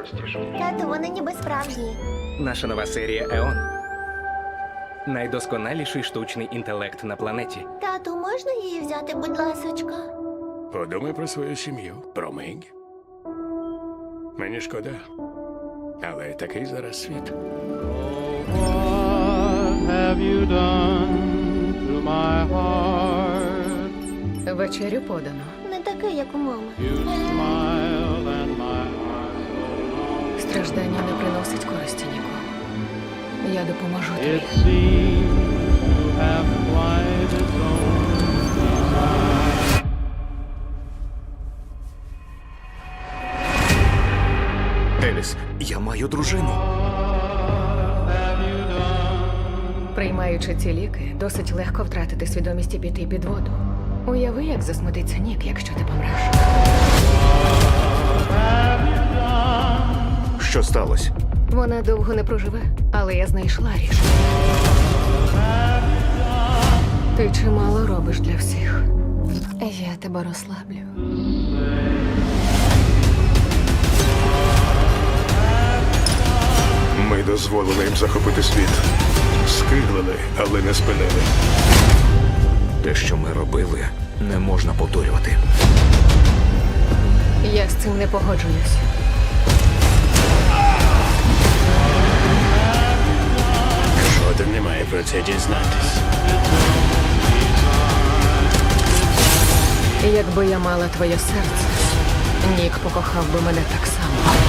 простіше. Тату, вони ніби справжні. Наша нова серія Еон. Найдосконаліший штучний інтелект на планеті. Тату, можна її взяти, будь ласочка? Подумай про свою сім'ю, про Мегі. Мені шкода. Але такий зараз світ. What have you done to my heart? Вечерю подано. Не такий, як у мами. You smiled and my heart Страждання не приносить користі нікому. Я допоможу It тобі. seemed to have quite its own design. Еліс, я маю дружину. Приймаючи ці ліки, досить легко втратити свідомість і піти під воду. Уяви, як засмутиться Нік, якщо ти помреш. Що сталося? Вона довго не проживе, але я знайшла рішення. Ти чимало робиш для всіх. Я тебе розслаблю. Ми дозволили їм захопити світ. Скиглили, але не спинили. Те, що ми робили, не можна повторювати. Я з цим не погоджуюсь. Жоден не має про це дізнатись. Якби я мала твоє серце, Нік покохав би мене так само.